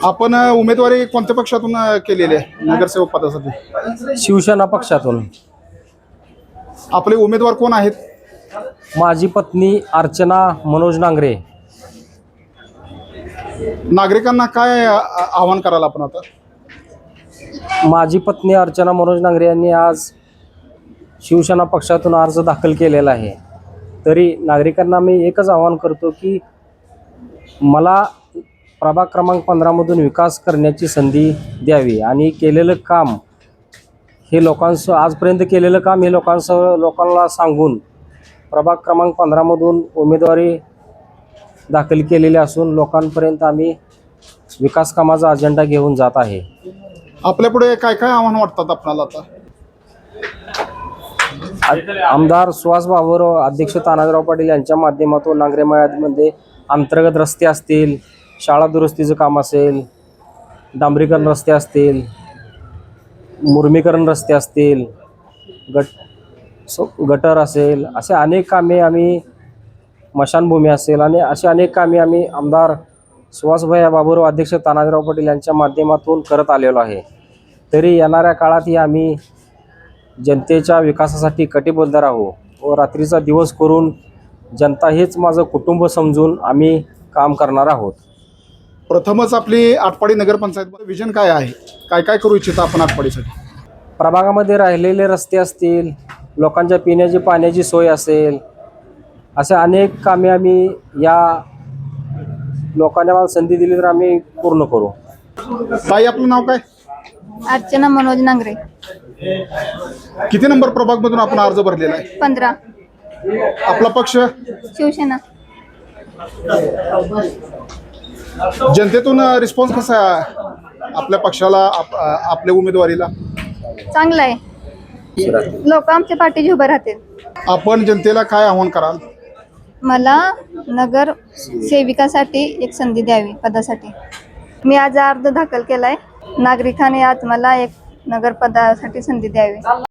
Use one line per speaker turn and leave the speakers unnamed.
आपण उमेदवारी कोणत्या पक्षातून केलेली आहे नगरसेवक पदासाठी?
शिवसेना पक्षातून.
आपले उमेदवार कोण आहेत?
माझी पत्नी अर्चना मनोज नांगरे.
नागरिकांना काय आवाहन कराल आपण आता?
माझी पत्नी अर्चना मनोज नांगरे यांनी आज शिवसेना पक्षातून अर्ज दाखल केलेला आहे. तरी नागरिकांना मी एकच आवाहन करतो की मला प्रभाग क्रमांक 15 मधून विकास करण्याची संधी द्यावी आणि केलेलं काम हे आजपर्यंत केलेलं काम हे लोकांना सांगून प्रभाग क्रमांक 15 मधून उमेदवारी दाखल केलेली असून लोकांपर्यंत आम्ही विकास कामाचा अजेंडा घेऊन जात आहे.
आपल्यापुढे काय काय आव्हान वाटतात आपल्याला आता?
आमदार सुहास बाबर, अध्यक्ष तानाजीराव पाटील यांच्या माध्यमातून नांगरे मळ्यामध्ये अंतर्गत रस्ते असतील, शाळा दुरुस्तीचं काम असेल, डांबरीकरण रस्ते असतील, मुरमीकरण रस्ते असतील, गटर असेल, असे अनेक कामे आम्ही, मशानभूमी असेल आणि असे अनेक कामे आम्ही आमदार सुहासभाई बाबर व अध्यक्ष तानाजीराव पाटील यांच्या माध्यमातून करत आलेलो आहे. तरी येणाऱ्या काळातही आम्ही जनतेच्या विकासासाठी कटिबद्ध राहू व रात्रीचा दिवस करून जनता हेच माझं कुटुंब समजून आम्ही काम करणार आहोत.
प्रथमच आपली आटपाडी नगरपंचायत विजन काय आहे? काय काय करू इच्छिता आपण आटपाडीसाठी?
प्रभागामध्ये राहिलेले रस्ते असतील, लोकांच्या पिण्याची पाण्याची सोय असेल, असे अनेक कामे आम्ही या लोकांना मला संधी दिली तर आम्ही पूर्ण करू.
ताई, आपलं नाव काय?
अर्चना मनोज नांगरे.
किती नंबर प्रभाग मधून आपण अर्ज भरलेला आहे?
15.
आपला पक्ष?
शिवसेना.
जनतेतून रिस्पॉन्स कसा आहे आपल्या पक्षाला, आपल्या उमेदवारीला?
चांगला आहे. लोक आमच्या पाठीशी उभे राहतील.
आपण जनतेला काय आव्हान कराल?
मला नगर सेविकासाठी एक संधी द्यावी पदासाठी. मी आज अर्ज दाखल केलाय. नागरिकांनी आज मला एक नगर पदासाठी संधी द्यावी.